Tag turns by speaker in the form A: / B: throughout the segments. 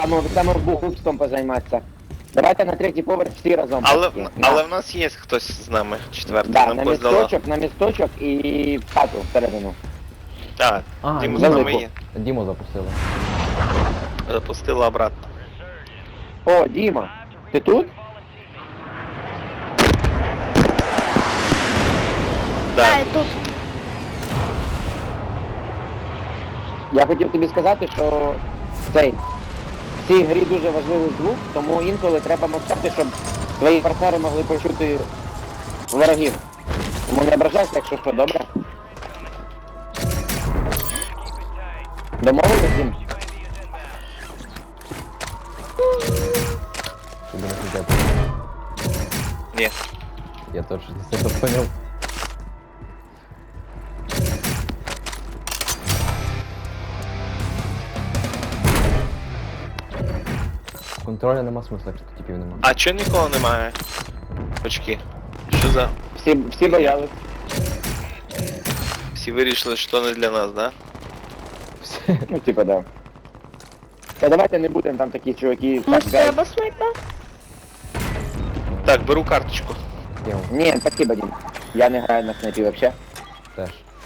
A: Саме бухубством позайматися. Давайте на третій поверх всі разом.
B: Але в нас є хтось з нами, четвертий,
A: Да,
B: нам
A: на
B: поздала.
A: місточок і в хату всередину.
B: Так, Діму з
A: Діму.
B: нами є.
C: Діму запустили.
B: Запустила обратно.
A: О, Діма, ти тут?
B: Да.
D: Я тут.
A: Я хотів тобі сказати, що в цій грі дуже важливий звук, тому інколи треба мовчати, щоб твої партнери могли почути ворогів. Тому не ображайся, якщо що, добре? Домовились, Дім?
C: Тобі не хотять.
B: Ні.
C: Я точно не це поняв. Контроля нема смисла, якщо типів нема.
B: А чого нікого немає? Очки. Що за?
A: Всі боялись.
B: Всі вирішили, що не для нас, да?
A: Ну, типа, да. Та давайте не будемо там такі чуваки.
D: Може
A: так,
D: треба снайпер?
B: Так, беру карточку.
C: Діму,
A: Ні, спасибо, Дім. Я не граю на снайпі вообще.
C: теж.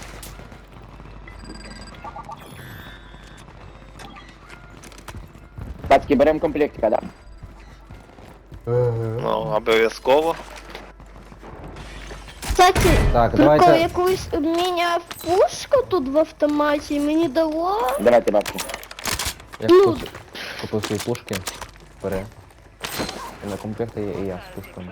A: Пацки, беремо комплектика, да.
B: Ну, обов'язково.
D: Кстати,
C: Так,
D: прикол,
C: давайте.
D: якусь міняв пушку тут в автоматі, мені дало.
A: Давайте, бабки.
C: Я
D: Ну.
C: купив свої пушки. Бери. І на комплекті є і я з пушками.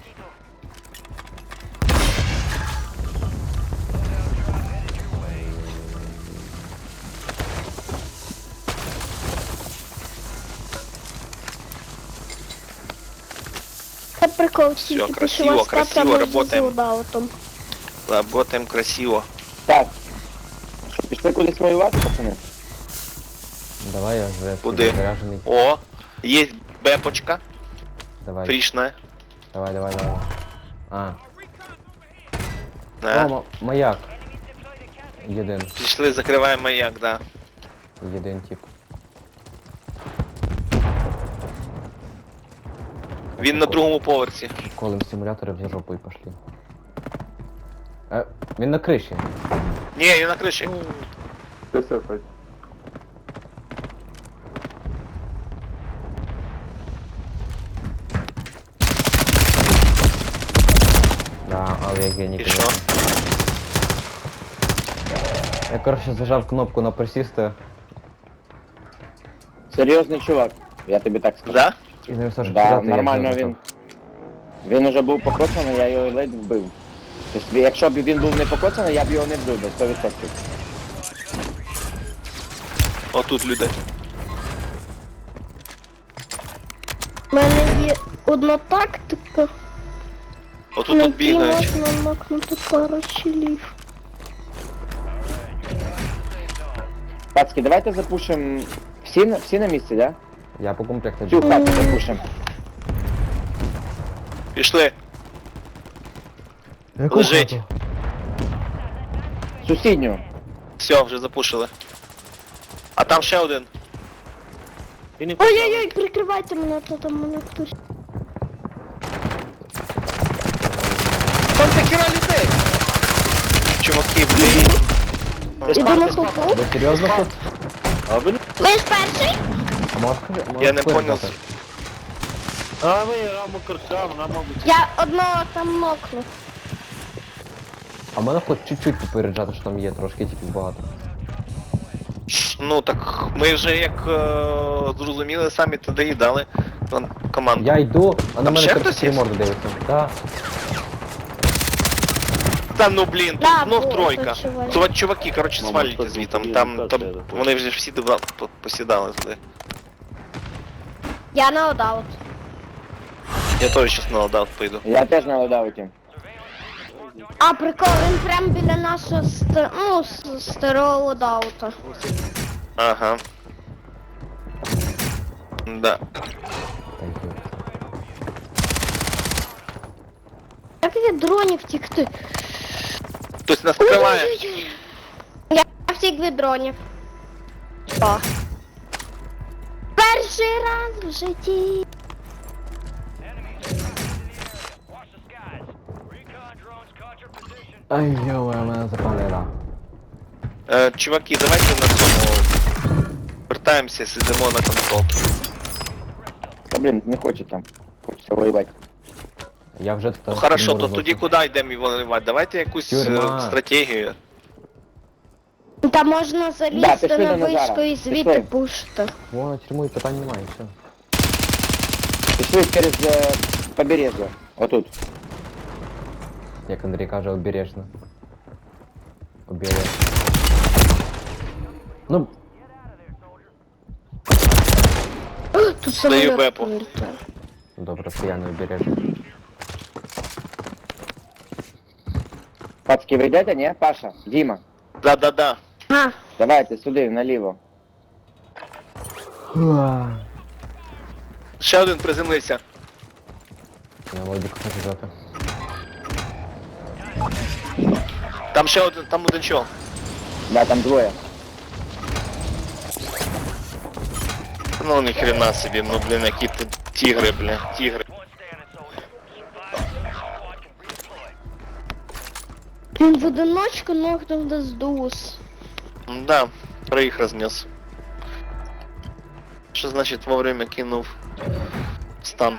D: Це прикол, всі
B: Всё,
D: типу,
B: красиво,
D: що вас
B: красиво
D: прямо
B: работаем.
D: задаутом.
B: Работаем красиво.
A: Так. Пішли кудись воювати, пацани?
C: Давай я вже
B: Куди?
C: заряджений.
B: О, є бепочка,
C: Давай.
B: фрішна.
C: Давай. А.
B: Да.
C: О, маяк. Єдин.
B: Пішли, закриваємо маяк, да.
C: Єдин тип.
B: Він на другому поверсі.
C: Колем симулятори в жопу і пошли. Він на криші.
B: Ні, він на криші.
C: Да, але я геній.
B: І що?
C: конечно. Я, коротше, зажав кнопку на присісти
A: Серйозний чувак, я тобі так скажу.
B: Да?
C: і не все ж
A: Да, нормально він. Він уже був покоцаний, я його ледь вбив. Тобто, якщо б він був не покоцаний, я б його не вбив, до 100%.
B: Отут люди.
D: У мене є одна тактика,
B: Отут
D: на
B: тут
D: якій
B: бігають.
D: можна макнути пару чилів.
A: Пацки, давайте запушимо. Всі на місці, да?
C: Я по комплекту
A: Цю хату запушимо.
B: Пішли. Лежить.
A: Сусідню.
B: Все, вже запушили. А там ще один.
D: Ой-ой-ой, прикривайте мене, то там мене хтось.
B: Там такі людей! Чуваки, блін.
D: Іду на хопу.
C: Ви серйозно тут?
D: Ви ж перший?
C: А можеш
B: Я не
C: клик
B: понял.
C: дати?
D: Я одного там нокну.
C: А мене хоч чуть-чуть попереджати, що там є трошки типу багато.
B: Ну так ми вже як зрозуміли, самі туди і дали команду.
C: Я йду, а на
B: Там
C: мене
B: ще хтось
C: 33
B: є?
C: морди дивиться. Да.
B: Та ну блін,
D: Да,
B: тут знов
D: було,
B: тройка.
D: тут чувак.
B: Це чуваки, коротше, свалюйте звітом. Там вони вже всі посідали туди.
D: Я на одаут.
B: Я теж щас на лодаут пойду.
A: Я теж на лодауті.
D: А, прикол, він прям біля нашого старого лодаута.
B: Ага. Да.
C: Thank you.
D: Як від дронів втікти?
B: Хтось нас скриває.
D: Ой-ой-ой. Я втік від дронів. О. Перший раз в житті.
C: Ай, йома, мене запалила.
B: Чуваки, давайте на цьому вертаємося, сидимо на консолки.
A: Та блін, не хочу там. Хочеться воювати.
C: Я вже тут.
B: Ну хорошо, то тоді куди йдемо воювати? Давайте якусь
C: Тюрма.
B: стратегію.
D: Та можна
A: Да,
D: залізти
A: пішли
D: на
A: до Назара.
D: вишку і звідти
A: Пішли.
D: пушити.
C: Вон, тюрму і питань немає, все.
A: Пішли через побережжя. Отут.
C: Як Андрій каже, обережно. Обережно. Ну,
D: Тут самоліт
B: бепу.
D: прилітає.
C: добре, що я не обережно.
A: Пацки, ви йдете, ні? Паша, Діма.
B: Да-да-да.
D: А,
A: Давайте сюди, наліво.
B: Ще один приземлився.
C: На лодіку хочу взяти.
B: Там ще один, там один чол.
A: Да, там двоє.
B: Ну ні хрена собі, ну блін, які ти тігри, блін, тігри.
D: він в одиночку нокнув до здус.
B: Да, троїх рознес. Що значить вовремя кинув стан?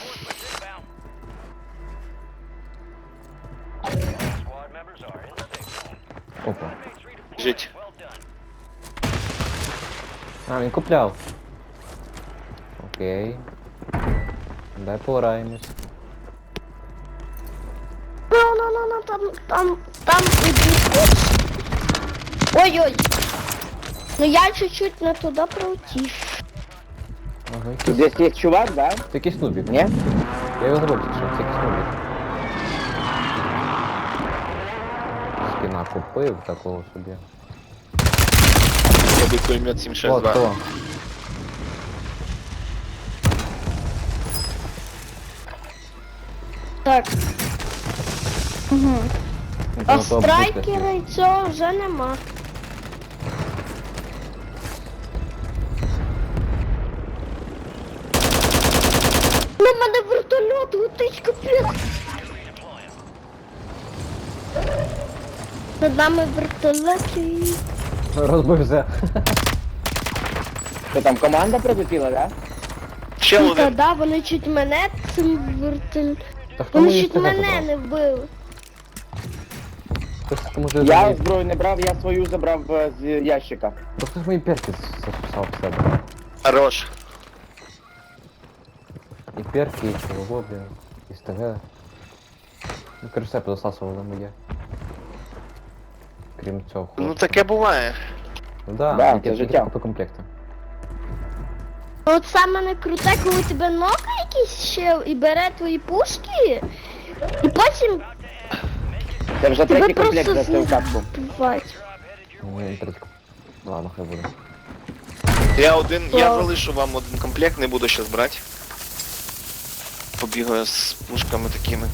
C: Опа.
B: Жить.
C: А, він купляв. Окей. Дай пограємось.
D: Ну, там іди. Ой-ой. Ну я чуть-чуть не туди пролетів.
C: Ага,
A: Тут десь є чувак, да?
C: Це якийсь нубік.
A: Ні?
C: Я його забув, що це якийсь нубік. Спина купив такого собі.
B: Робить пулемет
C: От
B: 762.
C: то.
D: Так. Угу. А
C: Ну, то
D: страйкера і цього вже нема. На мене вертольот летить, капець. Над нами вертольот і...
C: Розбився.
A: Що там, команда прилетіла, да?
B: Ще
D: Та
B: один.
D: да, вони чуть мене цим вертольотом.
C: Та хто
D: Вони
C: мої
D: чуть
C: СТГ
D: мене
C: забрав?
D: не вбили.
C: Хтось тому що
A: Я зброю не брав, я свою забрав з ящика.
C: Просто ж мої перки записав в себе.
B: Хорош.
C: І перки, і чого, блін, і СТГ. Ну, короче, все позасасували моє. Крім цього.
B: Ну таке буває.
C: Ну да,
A: Да,
C: тільки-
A: це
C: тільки
A: життя.
C: по комплекту.
D: От саме не круте, коли тебе нока якийсь ще і бере твої пушки, і потім
A: Це вже
D: тебе
A: третій комплект
D: просто
A: за цю катку.
D: збивають.
C: Ну, я не третій. Ладно, хай буде.
B: Я залишу вам один комплект, не буду щас брати. Побігаю з пушками такими.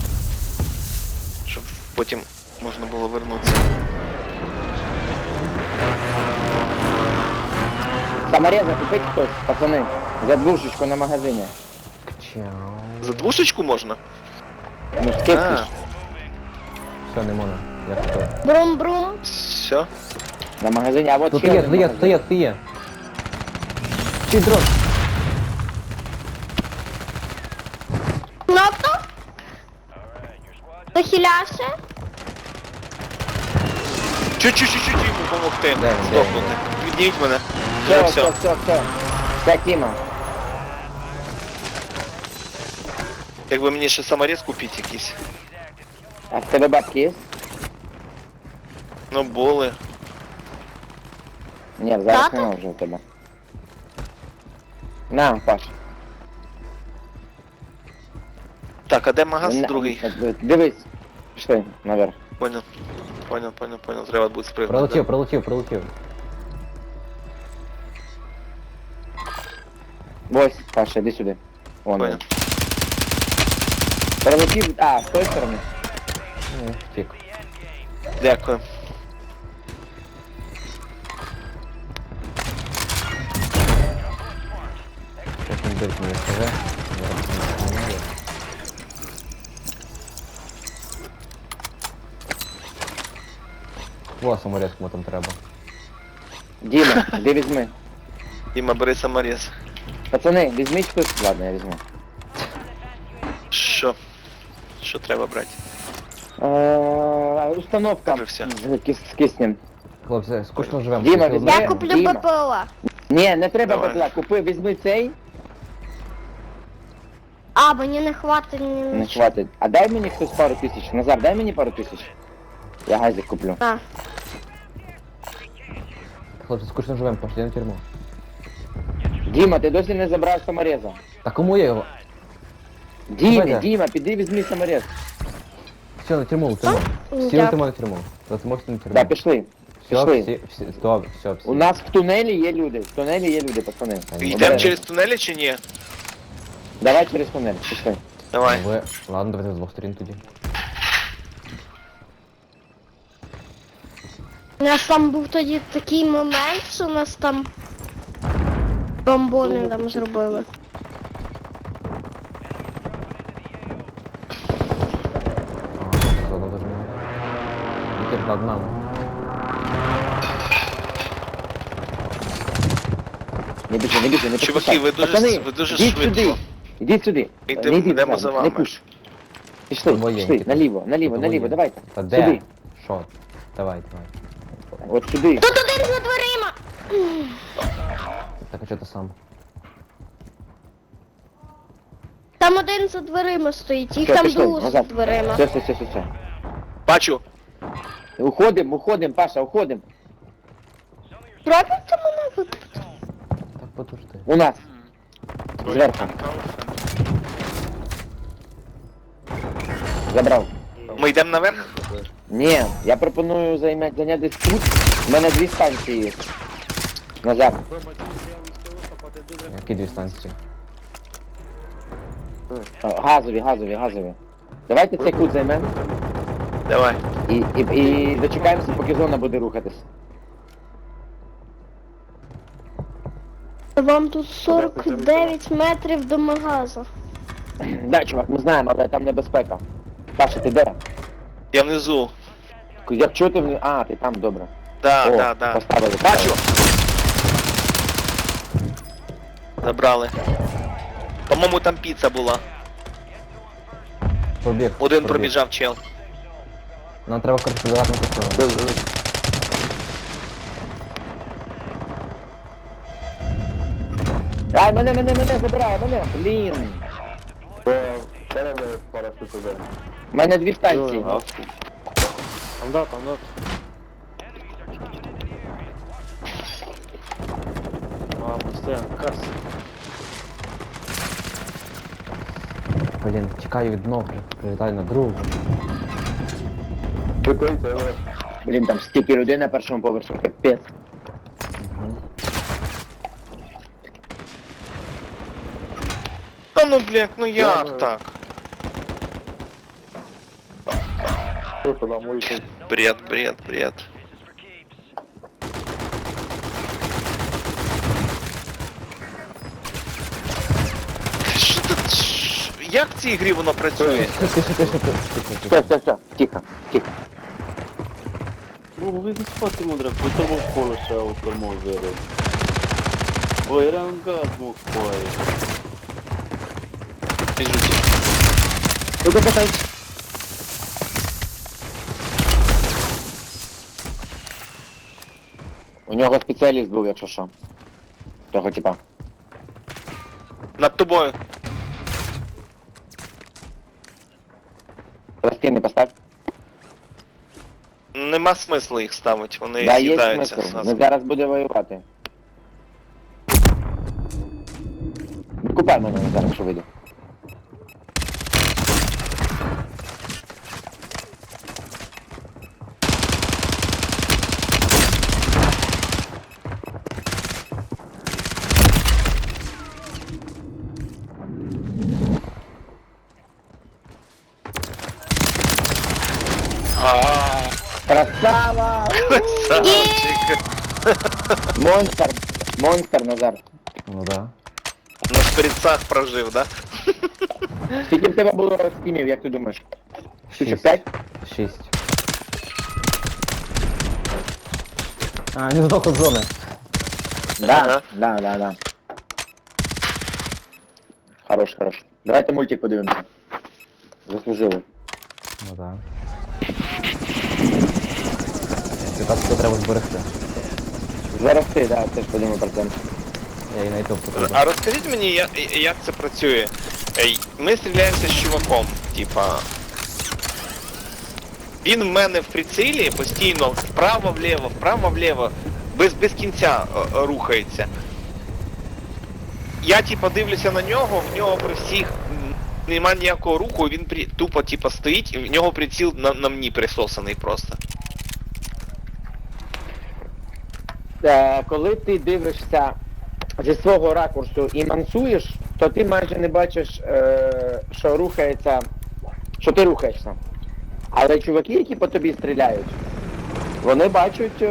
B: Щоб потім можна було вернутися.
A: Самореза купить хтось, пацани. За двушечку на магазині.
C: Чау.
B: За двушечку можна?
A: Ну, скидки
B: А,
A: ж
C: Все, не можна. Я купив.
D: Брум-брум.
B: все.
A: на магазині, а от
C: Тут
A: ще
C: є,
A: один
C: тут є,
A: магазин.
C: тут є, тут є. Чи дрон?
D: Кнопку? Захилявся?
B: Чуть-чуть йому допомогти.
C: Де він,
B: Здохнути. Підніміть мене.
A: Все,
B: Вже
A: все,
B: все.
A: все. Це Тіма.
B: Якби мені ще саморез купити якийсь.
A: А в тебе бабки є?
B: Ну були.
A: Ні, зараз
D: Тата?
A: нема вже у тебе. На, Паш.
B: Так, а де магаз
A: На-
B: другий?
A: Дивись. Пішли наверх.
B: Понял. Понял. Треба буде спригнути.
C: Пролетів.
A: Ось, Паша, іди сюди. Вон.
B: Понял.
A: він. Прилетів, а, з тої сторони.
C: Ну, втік.
B: Дякую.
C: Як він дивить мені СТГ. Зараз не знаю. О, саморез кому там треба.
A: Діма, іди візьми.
B: Діма, бери саморез.
A: Пацани, візьміть хтось. Ладно, я візьму.
B: Що? Що треба брати?
A: Установка
B: Вже все.
A: з киснем.
C: Хлопці, скучно живемо.
A: Діма,
C: Скільки
A: візьми.
D: Я
C: одного-
D: куплю
A: Діма.
D: БПЛА.
A: Ні, не треба
B: Давай.
A: бабла, купи, візьми цей,
D: А, мені не хватить ні
A: не
D: на що.
A: хватить. А дай мені хтось пару тисяч. Назар, дай мені пару тисяч. Я газик куплю.
D: А,
C: Хлопці, скучно живемо, пошли на тюрму.
A: Діма, ти досі не забрав самореза.
C: Та кому я його?
A: Діма,
C: Давай.
A: Діма, піди візьми саморез.
C: Все, на тюрму, в тюрму. Всі на
D: дякую.
C: тюрму, на тюрму. Можете на тюрму.
A: Так, пішли.
C: Все,
A: Пішли.
C: всі, добре, все, всі.
A: У нас в тунелі є люди. В тунелі є люди, пацани.
B: Йдемо
A: Обережно.
B: через тунелі чи ні?
A: Давай через тунель, пішли.
B: Давай.
C: Ви... Ладно, давайте з двох сторін тоді.
D: у нас там був тоді такий момент, що нас там бомбони там зробили.
C: Ага, заодно даже не. Вітер над нами.
A: Не біжи, не біжи, не
B: Чуваки,
A: поспішай.
B: ви дуже-
A: Пацани,
B: ви дуже
A: ідіть
B: швидко.
A: сюди. Ідіть сюди.
B: Йдемо-
A: Не йдіть
B: йдемо
A: зараз,
B: за
A: Не
B: вами.
A: пуш. Пішли,
C: Воєнні
A: пішли,
C: тут.
A: наліво, наліво,
C: Тут
A: наліво,
C: воєнні.
A: давайте.
C: Та де?
A: Сюди.
C: Що? Давай, давай.
A: От сюди.
D: Тут один за дверима!
C: Так, а що ти сам?
D: Там один за дверима стоїть, їх
A: Все,
D: там
A: пішли,
D: двоє за
A: назад.
D: дверима.
A: Все.
B: Бачу.
A: Уходим, Паша, уходим.
D: Пробуйте мене випити.
C: Так, подожди.
A: У нас. Зверху. Забрав.
B: Ми йдемо наверх?
A: Ні, я пропоную зайняти десь тут. У мене дві станції є. Назад.
C: Які дві станції?
A: Газові. Давайте цей кут займемо
B: Давай.
A: і дочекаємося, поки зона буде рухатись.
D: Вам тут 49 метрів до магазу.
A: Да, чувак, ми знаємо, але там небезпека. Паша, ти де?
B: Я внизу.
A: Як чути в... А, ти там, добре.
B: Да,
A: О,
B: да.
A: поставили.
B: Бачу. Забрали. По-моєму, там піца була.
C: Побіг.
B: Один
C: побіг.
B: пробіжав чел.
C: Нам треба контролювати на ту сторону.
A: Ай, мене, забирай, мене. Блін. У мене дві станції.
C: Блін, чекаю від ног, прилітаю на другу.
A: Блін, там стільки людей на першому поверсі, капець.
B: Та ну, блядь, ну як так? Бред. Що тут? Як в цій грі воно працює?
A: Все, тихо.
E: Ну, ви не спати мудре, ви тому вколо ще автомозери. Ой, рангат мог пає.
A: У нього спеціаліст був, якщо що. Того типа.
B: Над тобою.
A: Пластини постав.
B: Нема смислу їх ставити, вони
A: Да, є
B: з'їдаються.
A: смисл.
B: зразу.
A: Ми зараз буде воювати. Купай мене зараз, якщо вийде. Красава!
B: Красавчик.
A: Монстр, Назар.
C: Ну да.
B: Ну шприцах прожив, да?
A: Скільки в тебе було скімів, як ти думаєш? Штучок
C: 6.
A: 5?
C: 6. А, він здох від зони.
A: Да. Хорош. Давайте мультик подивимося. Заслужили.
C: Ну так. Якраз це треба зберегти.
A: Зараз ти, да, теж подумав про це.
C: Я і знайду потрібно.
B: А розкажіть мені, як це працює? Ми стріляємося з чуваком, типа. Він в мене в прицілі постійно вправо-вліво, без кінця рухається. Я типа дивлюся на нього, в нього при всіх нема ніякого руху, він тупо типа стоїть, і в нього приціл на мені присосаний просто.
A: Коли ти дивишся зі свого ракурсу і мансуєш, то ти майже не бачиш, що рухається, що ти рухаєшся. Але чуваки, які по тобі стріляють, вони бачать